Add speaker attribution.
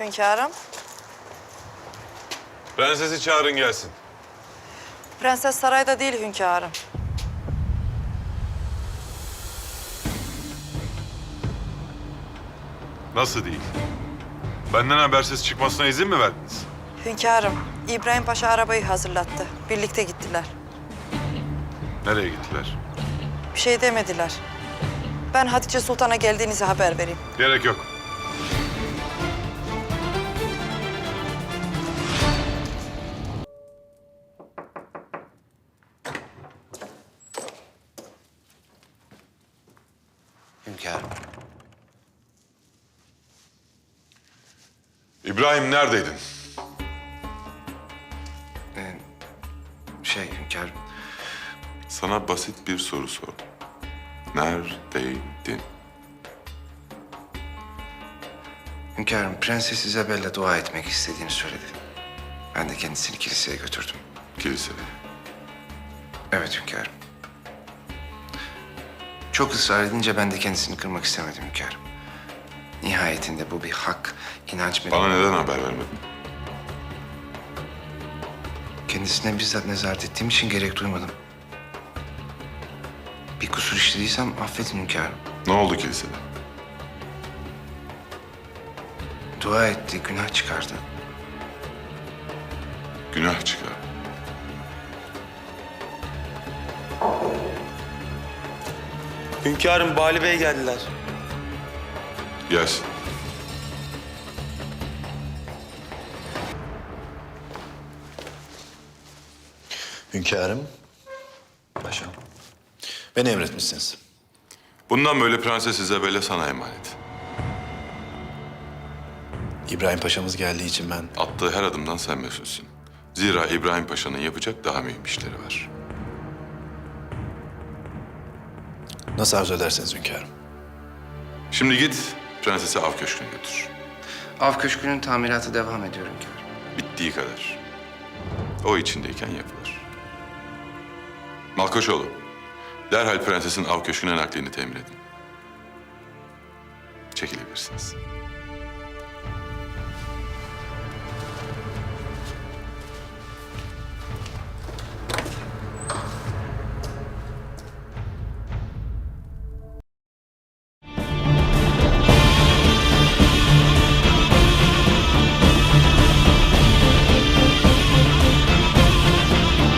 Speaker 1: Hünkârım.
Speaker 2: Prensesi çağırın gelsin.
Speaker 1: Prenses sarayda değil hünkârım.
Speaker 2: Nasıl değil? Benden habersiz çıkmasına izin mi verdiniz?
Speaker 1: Hünkârım, İbrahim Paşa arabayı hazırlattı. Birlikte gittiler.
Speaker 2: Nereye gittiler?
Speaker 1: Bir şey demediler. Ben Hatice Sultan'a geldiğinizi haber vereyim.
Speaker 2: Gerek yok.
Speaker 3: Hünkârım.
Speaker 2: İbrahim neredeydin?
Speaker 3: Hünkârım.
Speaker 2: Sana basit bir soru sordum. Neredeydin?
Speaker 3: Hünkârım, Prenses Isabella dua etmek istediğini söyledi. Ben de kendisini kiliseye götürdüm.
Speaker 2: Kilisede.
Speaker 3: Evet hünkârım. Çok ısrar edince ben de kendisini kırmak istemedim hünkârım. Nihayetinde bu bir hak, inanç
Speaker 2: Bana neden haber vermedin?
Speaker 3: Kendisine bizzat nezaret ettiğim için gerek duymadım. Bir kusur işlediysem affedin hünkârım.
Speaker 2: Ne oldu kilisede?
Speaker 3: Dua etti, günah çıkardı.
Speaker 2: Günah çıkar.
Speaker 4: Hünkârım, Bali Bey geldiler.
Speaker 2: Gelsin.
Speaker 5: Hünkârım, paşam. Beni emretmişsiniz.
Speaker 2: Bundan böyle Prenses Isabella sana emanet.
Speaker 5: İbrahim Paşa'mız geldiği için ben...
Speaker 2: Attığı her adımdan sen mesulsün. Zira İbrahim Paşa'nın yapacak daha mühim işleri var.
Speaker 5: Nasıl arzu ederseniz hünkârım.
Speaker 2: Şimdi git prensesi av köşküne götür.
Speaker 3: Av köşkünün tamiratı devam ediyor hünkârım.
Speaker 2: Bittiği kadar. O içindeyken yapılır. Malkoçoğlu, derhal prensesin av köşküne naklini temin edin. Çekilebilirsiniz.